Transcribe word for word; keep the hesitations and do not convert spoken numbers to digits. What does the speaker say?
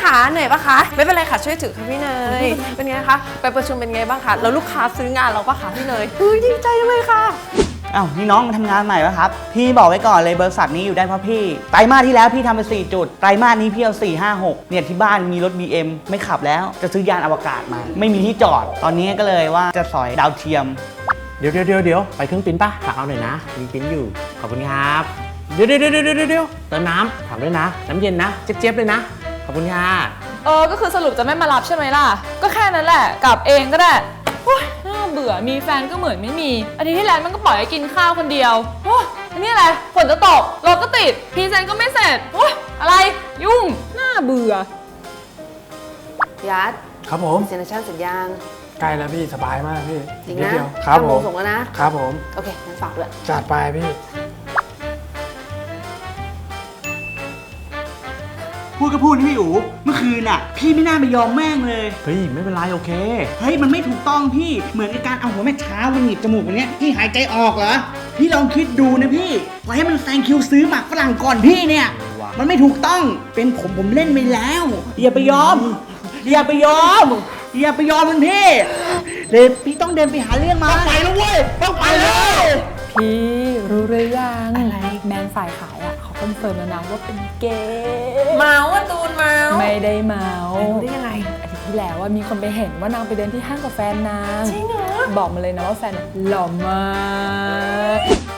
คะเหนื่อยปะคะไม่เป็นไรค่ะช่วยถือค่ะพี่เนยเป็นไงคะไปประชุมเป็นไงบ้างคะแล้วลูกค้าซื้องานเราปะคะพี่เนยเฮ้ยดีใจเลยค่ะอ้าวนี่น้องมาทำงานใหม่ปะครับพี่บอกไว้ก่อนเลยบริษัทนี้อยู่ได้เพราะพี่ไตรมาสที่แล้วพี่ทำไปสี่จุดไตรมาสนี้พี่เอาสี่ ห้า หกเนี่ยที่บ้านมีรถ บี เอ็ม ไม่ขับแล้วจะซื้อยานอวกาศมาไม่มีที่จอดตอนนี้ก็เลยว่าจะสอยดาวเทียมเดี๋ยวเดี๋ยวเดี๋ยวเดี๋ยวไปเครื่องปิ้นป่ะฝากเอาหน่อยนะมีปิ้นอยู่ขอบคุณครับเดี๋ยวเดี๋ยวเดี๋ยวเดี๋ยวเดี๋ยวเติมน้ำถามด้วยนะน้ำเย็นนะเจี๊ยบๆเลยนะขอบคุณค่ะเออก็คือสรุปจะไม่มารับใช่ไหมล่ะก็แค่นั้นแหละกลับเองก็ได้โอ๊ยน่าเบื่อมีแฟนก็เหมือนไม่มีอาทิตย์ที่แล้วมันก็ปล่อยให้กินข้าวคนเดียวโอ๊ยอันนี้อะไรฝนจะตกรถก็ติดพรีเซนต์ก็ไม่เสร็จโอ๊ยอะไรยุ่งน่าเบื่อยัดครับผมเซ็นชั่นสัญญาณใกล้แล้วพี่สบายมากพี่จริงนิดนะเดียวครับผมส่งแล้วนะครับผมโอเคงั้นฝากด้วยจัดไปพี่พูดก็พูดพี่อู๋เมื่อคืนน่ะพี่ไม่น่าไปยอมแม่งเลยเฮ้ยไม่เป็นไรโอเคเฮ้ยมันไม่ถูกต้องพี่เหมือนกับการเอาหัวแม่เท้ามาหนีบจมูกแบบนี้พี่หายใจออกเหรอพี่ลองคิดดูนะพี่ปล่อยให้มันแซงคิวซื้อหมากฝรั่งก่อนพี่เนี่ยมันไม่ถูกต้องเป็นผมผมเล่นไปแล้วอย่าไปยอมอย่าไปยอมอย่าไปยอมมันพี่เลยพี่ต้องเดินไปหาเรื่องมาต้องไปแล้วเว้ยต้องไปเลยพี่รู้หรือยังอะไรแมนฝ่ายขายอ่ะเขาคอนเฟิร์มแล้วนะว่าเป็นเกย์เมาว่าตูนเมาไม่ได้เมารู้ได้ยังไงอาทิตย์ที่แล้วว่ามีคนไปเห็นว่านางไปเดินที่ห้างกับแฟนนางจริงเหรอบอกมาเลยนะว่าแฟนหล่อมาก